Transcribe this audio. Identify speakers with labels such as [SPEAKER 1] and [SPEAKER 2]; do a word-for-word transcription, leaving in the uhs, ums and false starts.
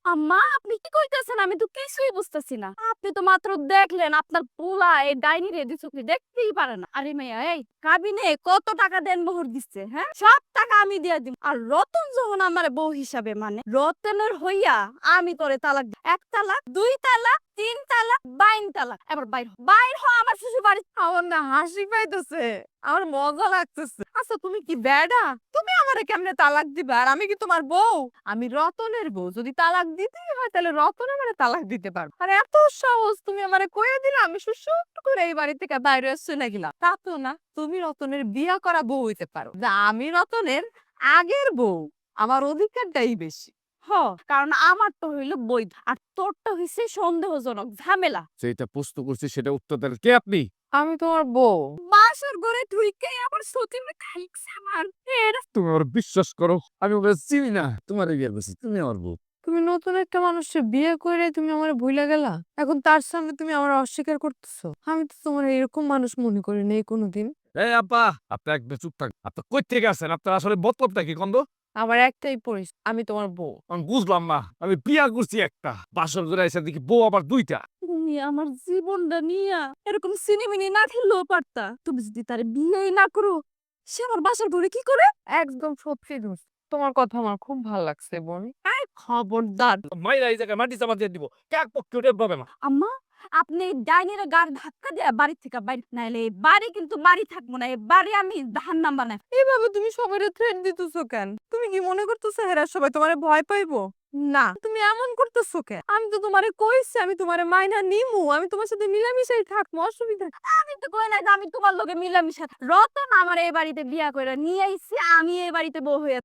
[SPEAKER 1] আম্মা আপনি কি কইতেছেন? আমি তো কিছুই বুঝতেছি না। আপনি তো মাত্র দেখলেন আপনার পোলা এই ডাইনি রে দুই চোখে দেখতেই পারে না। আরে মাইয়া এই কাবিনে কত টাকা দেনমোহর দিচ্ছে হ্যাঁ? সব টাকা আমি দিয়া দিব। আর রতন যখন আমারে বউ হিসাবে মানে রতনের হইয়া আমি তোরে তালাক দিব। এক তালাক, দুই তালাক, তিন তালাক, বাইন তালাক। এবার বাইর হ। বাইর হ আমার শ্বশুর বাড়ি।
[SPEAKER 2] আমার না হাসি পাইতেছে, আমার মজা লাগতেছে। আচ্ছা তুমি কি বেডা? তুমি আমারে কেমনে তালাক দিবা? আর আমি কি তোমার বউ? আমি রতনের বউ। যদি তালাক দিতেই হয় তাহলে রতন আমারে তালাক দিতে পারবে। আর এত সাহস তুমি আমারে কইয়া দিলা আমি সুসুট করে এই বাড়ি থেকে বাইরে চলে গেলাম। তা তো না, তুমি রতনের বিয়া করা বউ হইতে পারো। যা আমি রতনের আগের বউ, আমার অধিকারটাই বেশি।
[SPEAKER 1] হ কারণ আমার তো হইল বৈধ আর তোরটা হইছে সন্দেহজনক ঝামেলা।
[SPEAKER 3] যেটা প্রশ্ন করছি সেটা উত্তর দেন কে আপনি?
[SPEAKER 2] আমি তোমার বউ।
[SPEAKER 1] বাসর ঘরে ঢুইকে আবার সতীনে খাইছে আমার এটা
[SPEAKER 3] তুমি আমার বিশ্বাস করো, আমি ওকে চিনি না। তোমার বিয়ে করছি, তুমি আমার বউ।
[SPEAKER 2] তুমি নতুন একটা মানুষকে বিয়ে করে তুমি আমার ভুলে গেলা, এখন তার সামনে তুমি আমার অস্বীকার করতেছো। আমি তো তোমার এরকম মানুষ মনে করি নাই কোনোদিন।
[SPEAKER 3] এই আপা, আপনি একদম চুপ থাক। আপনি কই থেকে আছেন? আপনার আসলে মতলবটা কি কন্দ?
[SPEAKER 2] আমার একটাই পরিস, আমি তোমার বউ।
[SPEAKER 3] আমি বুঝলাম না। আমি বিয়া করছি একটা, বাসর করে এসে দেখি বউ আবার দুইটা।
[SPEAKER 1] তুমি আমার জীবনটা নিয়া এরকম সিনেমিনি না খেললেও পারতা। তুমি যদি তার বিয়েই না করো সে আমার বাসার ঘরে কি করে?
[SPEAKER 2] একদম সত্যি দোষ। তোমার কথা আমার খুব ভালো লাগছে বোন।
[SPEAKER 1] এই খবরদার।
[SPEAKER 3] মাইরা এই জায়গায় মাটি চাপা দিয়ে দিব। কাক পক্ষে উঠে পাবে না।
[SPEAKER 1] আম্মা আপনি এই ডাইনির গাড় ধাক্কা দিয়ে বাড়ি থেকে বাইরে নাইলে এই বাড়ি কিন্তু বাড়ি থাকবো না। এই বাড়ি আমি ধান বানাই।
[SPEAKER 2] এভাবে তুমি সবাই থ্রেট দিতেছো কেন? তুমি কি মনে করতেছো হেরা সবাই তোমারে ভয় পাইবো? না, তুমি এমন করতেছো কেন? আমি তো তোমারে কইছি আমি তোমারে মাইনা নিমু, আমি তোমার সাথে মিলামিশাই থাকবো, অসুবিধা কি?
[SPEAKER 1] আমি তো কই নাই যে আমি তোমার লগে মিলামিশা রতন আমার এই বাড়িতে বিয়া কইরা নিয়ে আইছি আমি এই বাড়িতে বউ হয়ে